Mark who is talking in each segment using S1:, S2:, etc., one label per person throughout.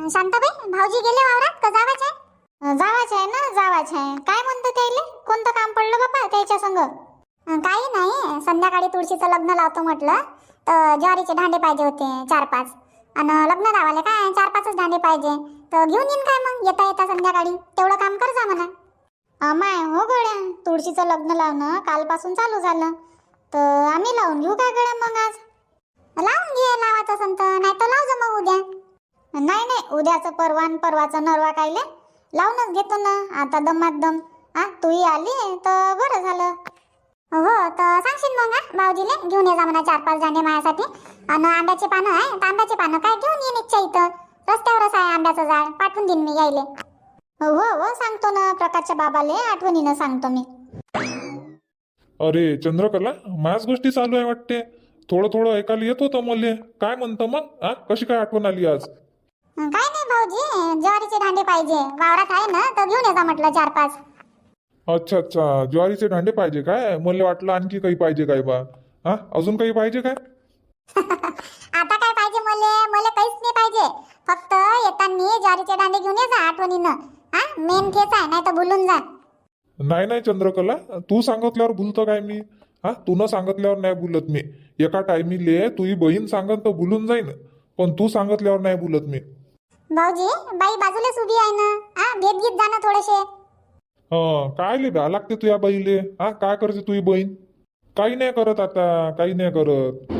S1: शांताबाई, भाऊजी गेले वावरात का जावाच आहे?
S2: जावाच आहे ना, जावाच आहे. काय म्हणतो त्याले? कोणतं काम पडलं बाबा त्याच्या संग?
S1: काही नाही, संध्याकाळी तुळशीचं लग्न लावतो म्हटलं, तर ज्वारीचे दांडे पाहिजे होते 4-5. आणि लग्न लावाले काय 4-5च दांडे पाहिजे, तर घेऊन येईन काय मग येता येता संध्याकाळी, तेवढं काम कर जा म्हणा.
S2: अमाय हो गड्या, तुळशीचं लग्न लावणं कालपासून चालू झालं, तर आम्ही लावून घेऊ काय गड्या मग आज?
S1: लावून घे, लावायचं असेल तर, नाही तर लाव जा मग उद्या.
S2: नाही नाही, उद्याचं परवान परवाचं नरवा कायले, लावूनच घेतो ना आता दमात दम. तूही आली तर बरं झालं.
S1: हो, तर सांगशील मग भाऊजीले घेऊन ये जा म्हणा 4-5 दांडे माझ्यासाठी. आणि आंब्याचे पानं आहे तर आंब्याचे पानं काय घेऊन येईन इच्छा इथं, रस्त्यावरच आहे आंब्याचं झाड, पाठवून देईन मी यायले.
S2: हो हो, सांगतो ना प्रकाशच्या बाबाले, आठवणीनं सांगतो मी.
S3: अरे चंद्रकला, माझ्याच गोष्टी चालू आहे वाटते. थोडं थोडं ऐकायला येत होतं मले. काय म्हणतं मग? कशी काय आठवण आली आज?
S1: काय नाही भाऊजी, ज्वारीचे दांडे पाहिजे, वावरात आहे ना, तर घेऊन ये जा म्हटलं 4-5.
S3: अच्छा अच्छा, ज्वारीचे दांडे पाहिजे काय? मला वाटलं आणखी काही पाहिजे काय बा. अजून काही पाहिजे काय?
S1: आता काय पाहिजे मले? मला काहीच नाही पाहिजे, फक्त येताना ज्वारीचे दांडे घेऊन ये जा आठवणीनं. मेन तेच आहे, नाही तर भुलून जा.
S3: नाही नाही चंद्रकला, तू सांगितल्यावर भुलतो काय मी? तू न सांगितल्यावर नाही भुलत मी. एका टायमिले तुझी बहीण सांगत तर भुलून जाईन, पण तू सांगितल्यावर नाही भुलत मी.
S1: भाऊजी, बाई बाजूलाच उभी आहे ना, भेट घेत जा ना थोडेसे.
S3: काय ले भ्या लागते तुझ्या बहीले? काय करते तुझी बहीण? काही नाही करत आता, काही नाही करत.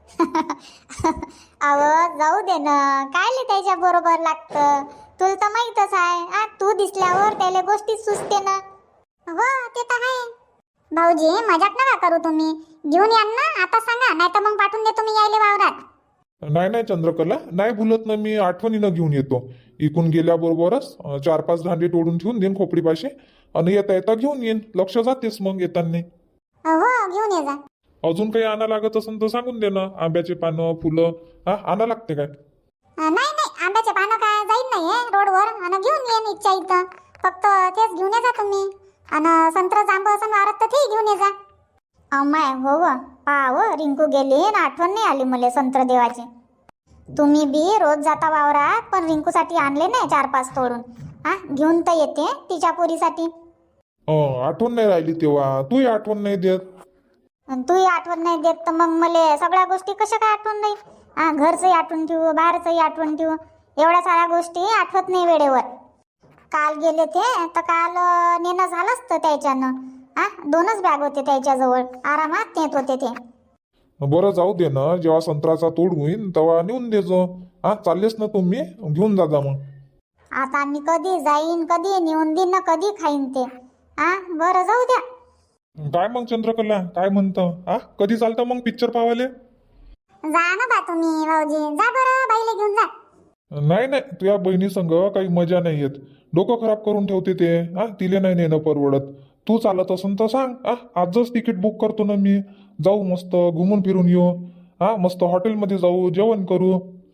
S2: अव जाऊ दे ना, काय त्याच्या बरोबर लागतं, तुला तर माहीतच आहे. तू दिसल्यावर त्याला गोष्टी सुचते ना.
S1: हो, ते तर आहे. भाऊजी, मजाक नका करू तुम्ही, घेऊन या ना आता, सांगा नाही तर मग पाठवून देतो मी यायले वावरात.
S3: नाही नाही चंद्रकला, नाही भुलत ना मी, आठवणीनं घेऊन येतो. इकून गेल्याबरोबरच 4-5 दांडे तोडून ठेवून देईन खोपडीपाशी, आणि येता येता घेऊन येईन. लक्ष जातेस मग येताना.
S1: हो, घेऊन ये जा.
S3: अजून काही आणा लागत असेल तर सांगून दे ना. आंब्याचे पानं, फुलं आणा लागते काय?
S1: नाही नाही, आंब्याचे पानं काय जाईन नाहीये रोडवर, आणि घेऊन येईन इच्छा इथं. फक्त तेच घेऊन ये जा तुम्ही, आणि संत्र जांब असं वारत तर ते घेऊन ये जा.
S2: अमाय हो व, पाव रिंकू गेली ना, आठवण नाही आली मला संत्र देवाची. तुम्ही बी रोज जाता वावरात, पण रिंकूसाठी आणले नाही 4-5 तोडून. घेऊन तर येते तिच्या पोरीसाठी.
S3: आठवण नाही राहिली तेव्हा, तूही आठवण नाही देत.
S2: तूही आठवण नाही देत तर मग मला सगळ्या गोष्टी कशा काय आठवण नाही? घरचंही आठवण ठेवू, बाहेरचंही आठवण ठेवू, एवढ्या साऱ्या गोष्टी आठवत नाही वेळेवर. काल गेले ते तर काल नेणं झालं असतं त्याच्यानं. 2च बॅग होते त्याच्याजवळ, आरामात नेत होते ते.
S3: बरं जाऊ दे ना, जेव्हा संत्राचा तोड होईन तेव्हा नेऊन देजो. चाललेस ना तुम्ही, घेऊन जा मग.
S2: आता मी कधी जाईन, कधी नेऊन देईन ना, कधी खाईन ते. बरं जाऊ द्या.
S3: काय मग चंद्रकला, काय म्हणतं? कधी चालतं मग पिक्चर पाहायला?
S1: जा ना बा तुम्ही भाऊजी, जा बरं, बाईले घेऊन जा.
S3: नाही नाही, तुझ्या बहिणी संग काही मजा नाही येत, डोकं खराब करून ठेवते ते. तिले नाही नेणं परवडत. तू चालत असन तर सांग, आजच तिकीट बुक करतो ना मी. जाऊ, मस्त घुमून फिरून येऊ. मस्त हॉटेलमध्ये जाऊ, जेवण करू.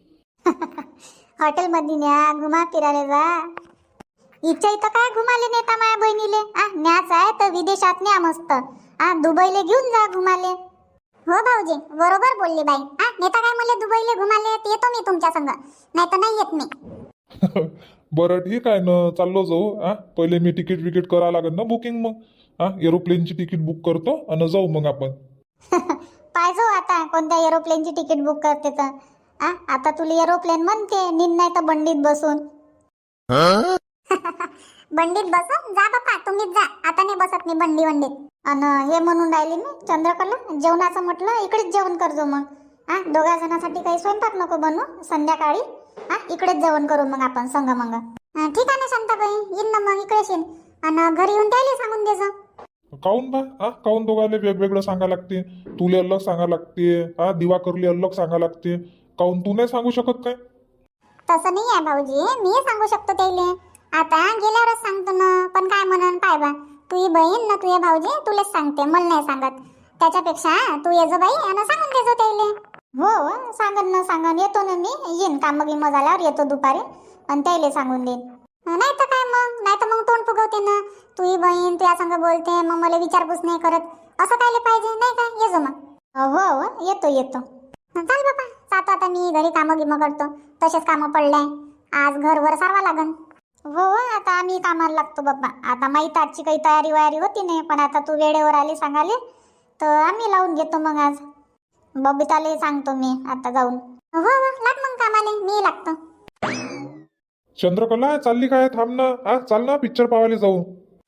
S2: हॉटेलमध्ये न्या, घुमा फिरायला जा. इच्छा इथं काय घुमाले नेता माझ्या बहिणीले? न्याच आहे तर विदेशात न्या मस्त. दुबईले घेऊन जा घुमाले.
S1: हो भाऊजी, बरोबर बोलली बाई. नेता काय मला दुबईले घुमाले, येतो मी तुमच्या संग, नाही तर नाही येत मी.
S3: बरं ठीक आहे ना, चाललो जाऊ. पहिले मी तिकीट विकेट करा लागेल ना बुकिंग. मग एरोप्लेनची तिकीट बुक करतो आणि जाऊ मग आपण.
S2: पाहिजो आता कोणत्या एरोप्लेनची तिकीट बुक करते तर. आता तुला एरोप्लेन म्हणते, निन नाही तर बंडीत बसून.
S1: बंडीत बसून जा बापा, तुम्हीच जा, आता नाही बसत मी बंडीत.
S2: आणि हे म्हणून राहिले मी चंद्रकला, जेवणाचं म्हटलं इकडेच जेवण करजो मग. 2 जणांसाठी काही स्वयंपाक नको बनवू, संध्याकाळी इकडेच जेवण करू मग आपण संग मग.
S1: ठीक आहे ना शांताबाई, येईन ना मग इकडेच येईन, आणि घरी येऊन त्याला सांगून देजा.
S3: काऊन बा? काऊन दोघाले वेगवेगळं सांगा लागते? तुले अलग सांगा लागते, दिवाकरले अलग सांगा लागते. काऊन तू नाही सांगू शकत काय?
S1: तसं नाही आहे भाऊजी, मी सांगू शकतो त्याले. आता गेल्यावरच सांगतो ना, पण काय म्हणन पाय बा, तुझी बहीण ना तुझे भाऊजी तुलेच सांगते, मला नाही सांगत. त्याच्यापेक्षा तू ये जो बाई आणि सांगून देजो त्याले.
S2: हो सांगन ना, सांगन, येतो ना मी. येईन काम गिम झाल्यावर येतो दुपारी आणि त्याला सांगून देईन.
S1: नाही तर काय मग, नाही तर मग तोंड फुगवते ना, तुझी बहीण तुझ्या संग बोलते, मग मला विचारपूस नाही करत, असं कायले पाहिजे नाही काय? ये जो मग.
S2: हो येतो.
S1: चाल बापा, जातो आता मी घरी, कामं गिमं करतो, तसेच कामं पडले. आज घरवर सारवा लागन.
S2: हो आता आम्ही कामाला लागतो बाबा. आता माहीत आजची काही तयारी वयारी होती नाही, पण आता तू वेळेवर आली सांगाले तर आम्ही लावून घेतो मग. आज बबिताला सांगतो मी आता जाऊन.
S1: हो हो लाग मग कामाले, मी लागतो.
S3: चंद्रकला चालली काय? थांब ना, चाल ना, पिक्चर पाहायला जाऊ.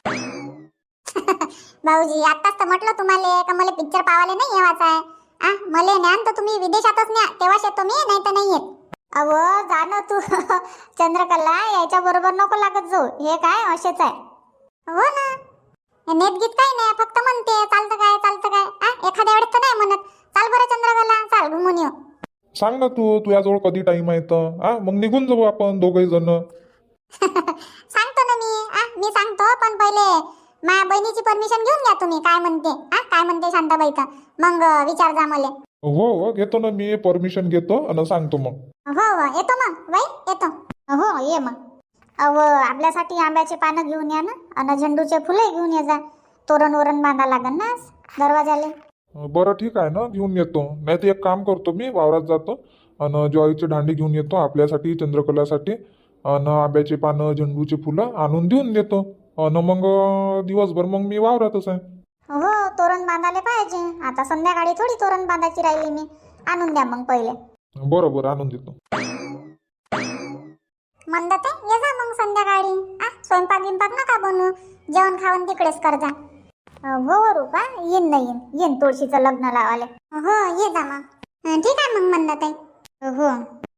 S1: भाऊजी आताच तर म्हटलं तुम्हाला का मला पिक्चर पाहायला नाही येवायचा आहे. मला ज्ञान तर तुम्ही विदेशातच न्या, तेव्हाच येतो मी, नाही तर नाही येत.
S2: अव जा ना तू. चंद्रकला याच्या बरोबर नको लागत जाऊ, हे काय असेच आहे.
S1: हो ना, नेत गीत काही नाही, फक्त म्हणते चालतं काय चालतं काय. एखाद्या वेळेस तर नाही म्हणत. चाल बरं चंद्रकला, चाल घुमून येऊ.
S3: सांग ना तू, तुझ्याजवळ कधी टाइम आहे तर मग निघून जाऊ आपण दोघही जण.
S1: सांगतो ना मी सांगतो, पण पहिले माझ्या बहिणीची परमिशन घेऊन घ्या तुम्ही. काय म्हणते काय म्हणते शांताबाई, तर मग विचार जा मला.
S3: हो हो घेतो ना मी, परमिशन घेतो आणि सांगतो मग.
S1: हो हो येतो मग बाई, येतो.
S2: हो ये मग. अव आपल्यासाठी आंब्याचे पानं घेऊन या ना, आणि झेंडूचे फुले घेऊन ये जा. तोरण वरण बांधा लागन ना दरवाजाले.
S3: बरं ठीक आहे ना, घेऊन येतो. नाही तर एक काम करतो, मी वावरात जातो आणि ज्वारीचे दांडे घेऊन येतो आपल्यासाठी, चंद्रकलासाठी. आणि आंब्याचे पानं, झेंडूचे फुलं आणून देऊन देतो. आणि मग दिवसभर मग मी वावरातच आहे.
S2: हो तोरण बांधायला पाहिजे. आता संध्याकाळी थोडी तोरण बांधायची राहिली मी. आणून द्या मग पहिले.
S3: बरं बरं आणून देतो.
S1: म्हणतात ये जा मग संध्याकाळी. स्वयंपाक गिंपाक नका बनवू, जेवण खावण तिकडेच कर जा.
S2: हो रूपा, येईन ना येईन तुळशीचं लग्न लावाले.
S1: हो ये जा मग. ठीक आहे मग म्हणतात.
S2: हो.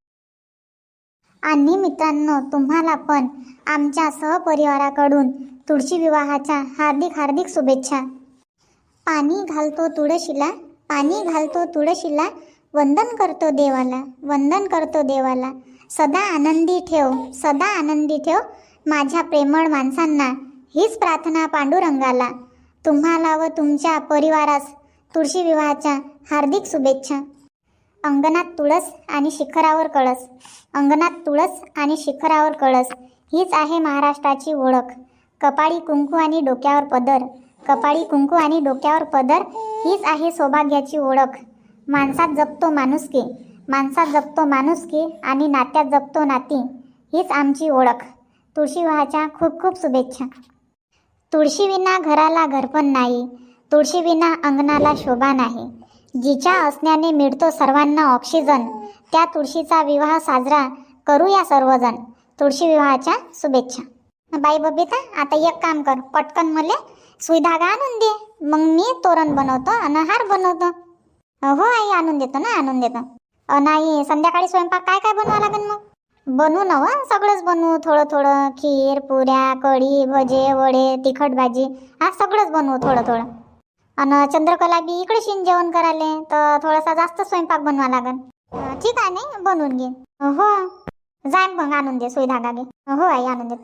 S2: आणि मित्रांनो तुम्हाला पण आमच्या सहपरिवाराकडून तुळशी विवाहाच्या हार्दिक हार्दिक शुभेच्छा. पाणी घालतो तुळशीला, पाणी घालतो तुळशीला, वंदन करतो देवाला, वंदन करतो देवाला. सदा आनंदी ठेव, सदा आनंदी ठेव माझ्या प्रेमळ माणसांना. हीच प्रार्थना पांडुरंगाला. तुम्हाला व तुमच्या परिवारास तुळशी विवाहाच्या हार्दिक शुभेच्छा. अंगणात तुळस आणि शिखरावर कळस, अंगणात तुळस आणि शिखरावर कळस, हीच आहे महाराष्ट्राची ओळख. कपाळी कुंकू आणि डोक्यावर पदर, कपाळी कुंकू आणि डोक्यावर पदर, हीच आहे सौभाग्याची ओळख. माणसात जपतो माणुसकी, माणसात जपतो माणुसकी आणि नात्यात जपतो नाती, हीच आमची ओळख. तुळशी विवाहाच्या खूप खूप शुभेच्छा. तुळशीविना घराला घरपण नाही, तुळशीविना अंगणाला शोभा नाही. जिच्या असण्याने मिळतो सर्वांना ऑक्सिजन, त्या तुळशीचा विवाह साजरा करूया सर्वजण. तुळशी विवाहाच्या शुभेच्छा. बाई बबिता आता एक काम कर, पटकन मला सुई धागा आणून दे, मग मी तोरण बनवतो आणि हार बनवतो. हो आई आणून देतो ना, आणून देतो. नाही संध्याकाळी स्वयंपाक काय काय बनवा लागेल मग? बनवू ना सगळंच बनवू, थोडं थोडं. खीर, पुऱ्या, कढी, भजे, वडे, तिखट भाजी, सगळंच बनवू थोडं थोडं. आणि चंद्रकला बी इकडे शिन जेवण करायला, तर थोडासा जास्त स्वयंपाक बनवा लागेल. ठीक आहे नाही बनवून घे. हो जाय मग आणून दे, सुई धागा घे. हो आई आणून देतो.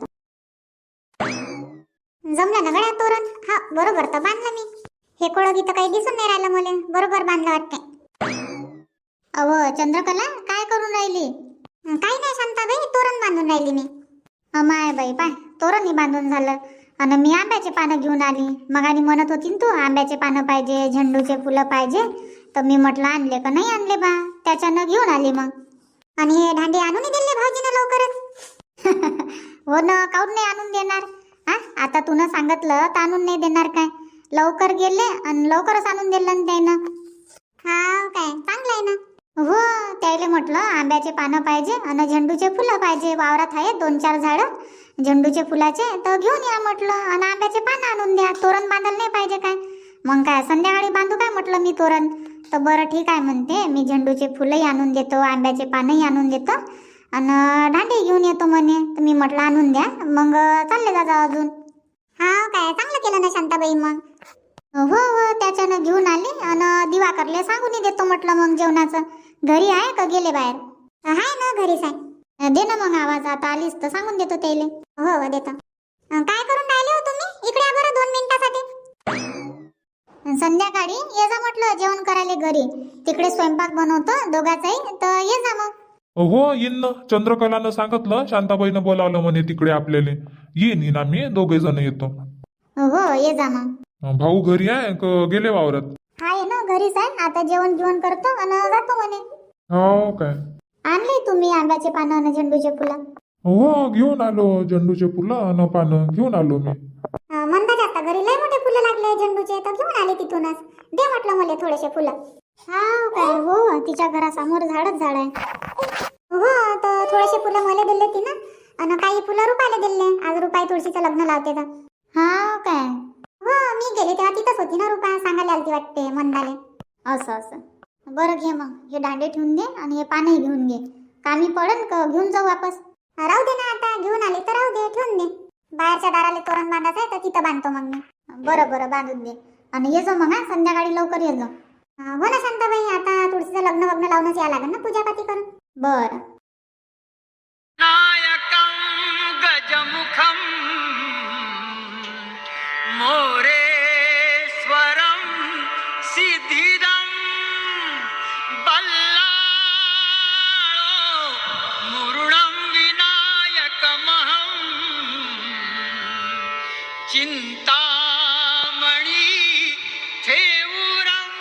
S1: जमलं ना गड्या तोरण? हा बरोबर तर बांधलं मी. हे कोळगी तर काही दिसून नाही राहिलं मला, बरोबर बांधलं वाटते.
S2: अव चंद्रकला काय करून राहिली?
S1: काही नाही शांताबाई, तोरण बांधून राहिली मी.
S2: माय बाई पाय, तोरणही बांधून झालं. आणि मी आंब्याचे पानं घेऊन आली. मग आणि म्हणत होती ना तू आंब्याचे पानं पाहिजे, झेंडूचे फुलं पाहिजे, तर मी म्हटलं आणले का नाही आणले बा, त्याच्यानं घेऊन आली मग.
S1: आणि हे दांडे आणून दिले भाऊजीनं लवकरच.
S2: हो ना, काऊन नाही आणून देणार? आता तुनं सांगितलं तर आणून नाही देणार काय? लवकर गेले आणि लवकरच आणून दिलं ना त्यानं.
S1: हा काय चांगलं आहे ना.
S2: हो त्याला म्हटलं आंब्याचे पानं पाहिजे आणि झेंडूचे फुलं पाहिजे. वावरात आहे 2-4 झाडं झेंडूचे फुलाचे, तर घेऊन या म्हटलं. आणि आंब्याचे पानं आणून द्या, तोरण बांधायला नाही पाहिजे काय? मग काय संध्याकाळी बांधू काय म्हटलं मी तोरण. तर बरं ठीक आहे म्हणते, मी झेंडूचे फुलंही आणून देतो, आंब्याचे पानंही आणून देतो आणि दांडे घेऊन येतो म्हणे. तर मी म्हटलं आणून द्या, मग चालले जा अजून.
S1: हा काय चांगलं केलं ना शांताबाई मग.
S2: हो हो त्याच्यानं घेऊन आली आणि दिवाकरले सांगून देतो म्हटलं मग जेवणाचं. घरी आहे का गेले बाहेर?
S1: हाय ना घरीच आहे.
S2: दे ना मग आवाज, आता आलीस तर सांगून देतो त्याले.
S1: हो हो देतो. काय करून राहिले हो तुम्ही? इकडे या बरं 2 मिनिटासाठी.
S2: संध्याकाळी ये जा म्हटलं जेवण करायला घरी, तिकडे स्वयंपाक बनवतो दोघाचाही, तर ये जा मग.
S3: हो येईन ना, चंद्रकलानं सांगितलं, शांताबाईनं बोलावलं म्हणे तिकडे आपल्याला. येईन आम्ही दोघे जण येतो.
S2: हो ये जा मग.
S3: भाऊ घरी आहे का गेले वावरात?
S2: हाय ना घरीच आहे. आता जेवण करतो आणि जातो म्हणे.
S3: हो काय?
S2: आणले तुम्ही आंब्याचे पानं आणि झेंडूचे फुलं?
S3: हो घेऊन आलो झेंडूचे फुलं न पानं घेऊन आलो मी.
S1: म्हणता जास्त घरी लय मोठे फुलं लागले झेंडूचे तर घेऊन आले तिथूनच. दे म्हटलं मला थोडेसे फुलं.
S2: हा काय हो तिच्या घरासमोर झाडच झाड आहे.
S1: हो तर थोडेसे फुलं मला दिले ती ना आणि काही फुलं रुपायला दिले. आज रुपाई तुळशीचं लग्न लावते तर.
S2: हा काय
S1: हो मी गेले तेव्हा तिथंच होती ना रुपा. सांगायला आलती वाटते मंदाले.
S2: असं असं बरं घे मग हे दांडे ठेवून दे आणि हे पानही घेऊन घे. कामी पडन का घेऊन जाऊ वापस.
S1: राहू दे ना आता घेऊन आली तर राहू दे ठेवून दे. बाहेरच्या दाराला तोरण बांधायचं आहे तर तिथं बांधतो मग मी.
S2: बरं बरं बांधून दे आणि ये जा मग हा संध्याकाळी लवकर ये जा.
S1: हो ना शांताबाई आता तुळशीचं लग्न वग्न लावूनच यावं लागेल ना पूजापाती करून.
S2: बरं
S4: नायकं गजमुखं मोरेश्वरं सिद्धिदं बल्लाळो मुरुडं विनायकमहं चिंतामणी थेऊरं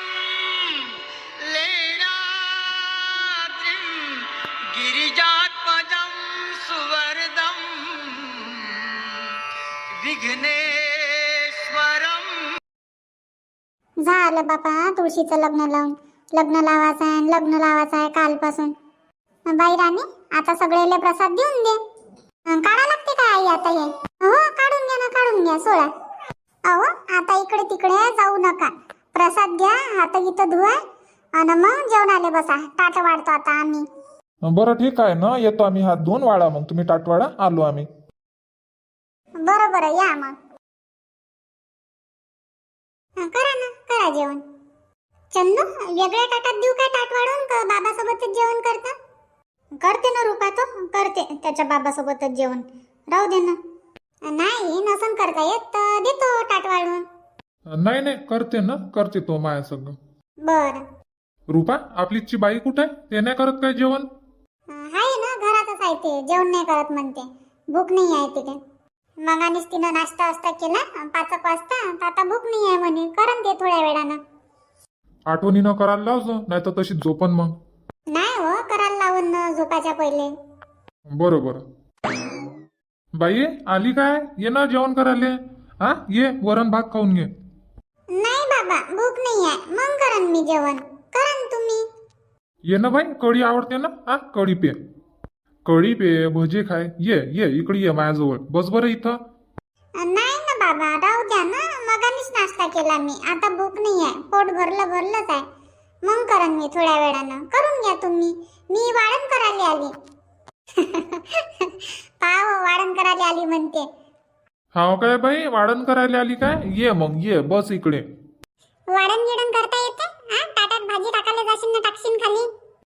S4: लेणाद्रिं गिरिजात्मजं सुवरदं विघ्नेश्वरं.
S1: झालं बापा तुळशीचं लग्न लावून. लग्न लावायचं आहे लग्न लावायचं आहे कालपासून. बाई राणी आता सगळेले प्रसाद देऊन दे. काढा लागते का आई आता हे. हो काढून घ्या ना काढून घ्या सोळा. अहो आता इकडे तिकडे जाऊ नका. प्रसाद घ्या हात गीत धुवा आणि मग जेवणाले बसा. ताट वाढतो आता आम्ही.
S3: बरं ठीक आहे ना येतो आम्ही हात धुवून. वाढा मग तुम्ही ताटवाडा आलो आम्ही.
S1: बरं बरं या मग. करा ना करा जेवण. चंदू वेगळ्या ताटात देऊ काय ताट वाढून का बाबासोबतच जेवण करता.
S2: करते ना रुपा तो करते त्याच्या बाबासोबतच जेवण. राहू दे ना.
S1: नाही नसन करता येत तर देतो ताट वाढून.
S3: नाही नाही करते ना करते तो माया सगळं.
S1: बरं
S3: रुपा आपलीची बाई कुठे आहे. ते नाही करत काय जेवण.
S1: आहे ना घरातच आहे ते. जेवण नाही करत म्हणते. भूक नाही आहे तिथे. मग आणि तिनं नाश्ता वास्ता केला 5 वाजता तर आता भूक नाही आहे म्हणे. करन ते थोड्या वेळानं.
S3: आठवणीनं करायला लावजो नाही तर तशी झोपन मग.
S1: नाही हो करायला लावून ना झोपायच्या पहिले.
S3: बरं बरं. बाई आली काय ये ना जेवण करायला. हा ये वरण भात खाऊन घे.
S1: नाही बाबा भूक नाही आहे. मग करन मी जेवण. करन तुम्ही.
S3: ये ना बाई कढी आवडते ना. हा कढी पे कढी पे भजे खाय. ये ये इकडे ये माझ्याजवळ बस बरं इथं.
S1: नाही ना बाबा राहू द्या ना. मगानीच नाश्ता केला मी. आता भूक नाही आहे. पोट भरलंच आहे. मग करन मी थोड्या वेळानं. करून घ्या तुम्ही. मी वाढण करायला आली. पाव वाढण करायला आली म्हणते.
S3: हाव काय बाई वाढण करायला आली काय. ये मग ये बस इकडे.
S1: वाढण गिडण करता येते. ताटात भाजी टाकायला जाशील ना टाकशील खाली.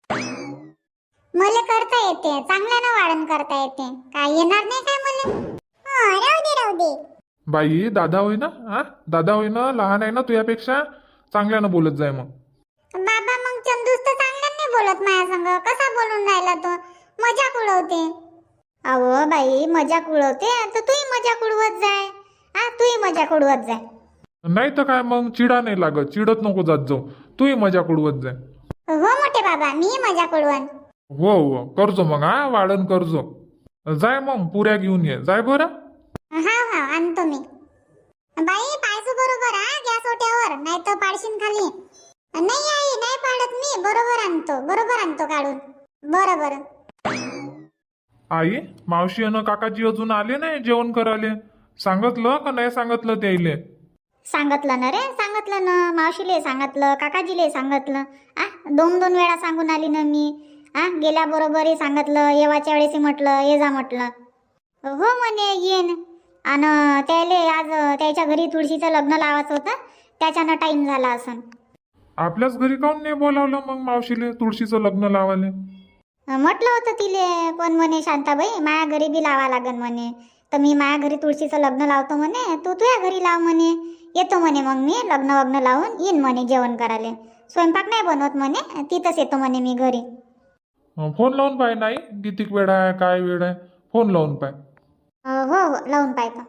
S1: मला करता येते. चांगल्यानं वाढण करता येते. काय येणार नाही काय मला. राहू दे राहू दे.
S3: बाई दादा होय ना. हा दादा होय ना लहान आहे ना तुझ्यापेक्षा. चांगल्यानं बोलत जाय मग.
S1: बाबा मग चंदूस तर चांगल्यानं नाही बोलत माझ्या संग. कसा बोलून राहिला तो. मजाक उडवते.
S2: अहो बाई मजाक उडवते तर तूही मजाक उडवत जाय. हा तूही मजाक उडवत जाय.
S3: नाही तर काय मग चिडा नाही लागत. चिडत नको जात जाऊ. तूही मजाक उडवत जाय.
S1: हो मोठे बाबा मी मजाक उडवन.
S3: हो हो करजो मग. हा वाढण करजो. जाय मग पुऱ्या घेऊन ये जाय बरं.
S1: हा हा आणतो मी. बाई पाहिजे बरोबर गॅस ओट्यावर नाही तर पाडशीन खाली. नाही आई नाही पाडत मी. बरोबर आणतो काढून. बरं बरं.
S3: आई मावशी आणि काकाजी अजून आले नाही जेवण करायला. सांगितलं का नाही सांगितलं त्याइले.
S2: सांगितलं ना रे सांगितलं ना. मावशीले सांगितलं काकाजीले सांगितलं. 2 वेळा सांगून आली ना मी. गेल्या बरोबरही सांगितलं. येवाच्या वेळेस म्हटलं ये जा म्हटलं. हो म्हणे येईन. आणि त्याले आज त्याच्या घरी तुळशीचं लग्न लावायचं होतं. त्याच्यानं टाईम झाला असं.
S3: आपल्याच घरी काऊन नाही बोलावलं मग मावशीले तुळशीचं लग्न लावायला.
S2: म्हटलं होतं तिले पण म्हणे शांताबाई माया घरी बी लावा लागन म्हणे. तर मी माया घरी तुळशीचं लग्न लावतो म्हणे. तू तुझ्या घरी लाव म्हणे. येतो म्हणे मग मी लग्न वग्न लावून येईन म्हणे जेवण करायला. स्वयंपाक नाही बनवत म्हणे. तिथंच येतो म्हणे मी घरी.
S3: फोन लावून पाय. नाही किती वेळ आहे काय वेळ आहे फोन लावून पाय.
S2: हो हो लावून पाहतो.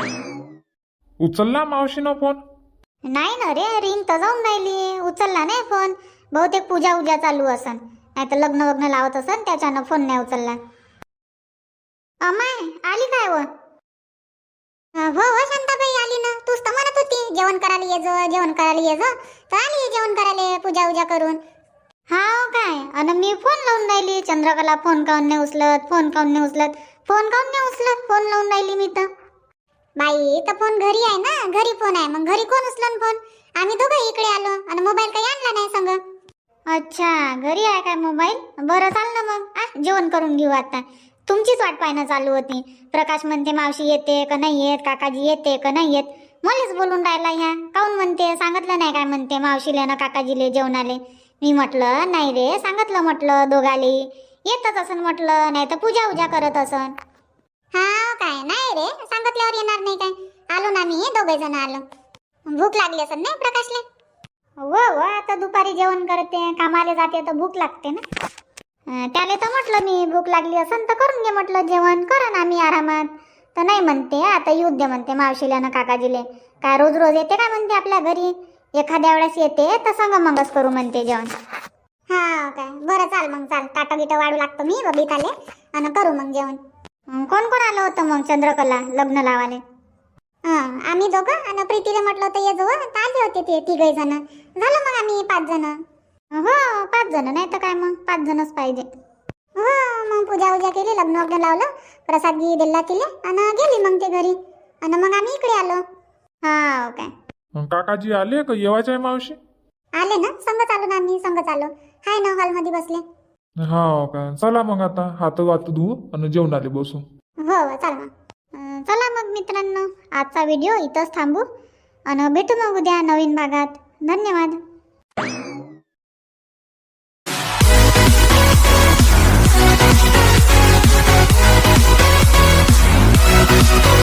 S3: उचलला मावशीनं फोन.
S2: नाही ना रे रिंग तर जाऊन राहिली. उचलला नाही फोन. बहुतेक पूजा उजा चालू असन. नाही तर लग्न वग्न लावत असन त्याच्यानं फोन नाही उचलला. अमाय आली काय व?
S1: हो हो शांताबाई आली ना. तूच तर म्हणत होती जेवण करायला ये जो, जेवण करायला ये जो, तर आली जेवण करायला पूजा उजा करून.
S2: हाव काय? अन मी फोन लावून राहिली, चंद्रकला फोन काऊन नाही उचलत, फोन काऊन नाही उचलत, फोन काऊन नाही उचलत, फोन लावून राहिली मी तर.
S1: बाई तर फोन घरी आहे ना, घरी फोन आहे, मग घरी कोण उचलन फोन? आम्ही दोघं इकडे आलो आणि मोबाईल काही आणला नाही संग.
S2: अच्छा, घरी आहे काय मोबाईल? बरं चाल ना मग, जेवण करून घेऊ आता. तुमचीच वाट पाहणं चालू होती. प्रकाश म्हणते मावशी येते का नाही येत, काकाजी येते का नाही येत. मलाच बोलून राहिला ह्या. काऊन म्हणते, सांगितलं नाही काय म्हणते मावशीले ना काकाजीले जेवणाले. मी म्हटलं नाही रे, सांगितलं म्हटलं दोघाले येतच असन म्हटलं, नाही तर पूजा उजा करत असन.
S1: हा काय नाही रे, सांगितल्यावर येणार नाही काय. आलो ना मी, दोघे जण आलो. भूक लागली असेल नाही प्रकाशले?
S2: हो आता दुपारी जेवण करते, कामाला जाते तर भूक लागते ना. त्याले तर म्हटलं मी भूक लागली असन तर करून घे म्हटलं जेवण, करा ना आम्ही आरामात. तर नाही म्हणते, आता येऊ दे म्हणते मावशीला ना काकाजीले. काय रोज रोज येते काय म्हणते आपल्या घरी, एखाद्या वेळेस येते तर संग मंगच करू म्हणते जेवण.
S1: हा काय, बरं चाल मग, चाल ताटं गिटं वाढू लागतो मी बबिताले आणि करू मग जेवण.
S2: कोण कोण आलं होतं मग चंद्रकला लग्न लावाले?
S1: आम्ही दोघं आणि प्रीतीला म्हटलं होतं ये जवळ, तर आले होते ते तिघही जण. झालं मग आम्ही 5 जण.
S2: हो 5 जण, नाही तर काय मग 5 जणच पाहिजे.
S1: हो मग पूजा उजा केली, लग्न वग्न लावलं, प्रसाद गी दिला तिले आणि गेली मग ते घरी आणि मग आम्ही इकडे आलो.
S2: हा काय?
S3: काकाजी आले का येवायचे आहे मावशी?
S1: आले ना, संगच आलो ना आम्ही, संगच आलो. हाय ना हॉलमध्ये बसले.
S3: हा काय, चला मग आता हात वात धुवू आणि जेवणाले बसू.
S1: हो चल मग.
S2: चला मग मित्रांनो, आजचा व्हिडिओ इथंच थांबू आणि भेटू मग उद्या नवीन भागात. धन्यवाद.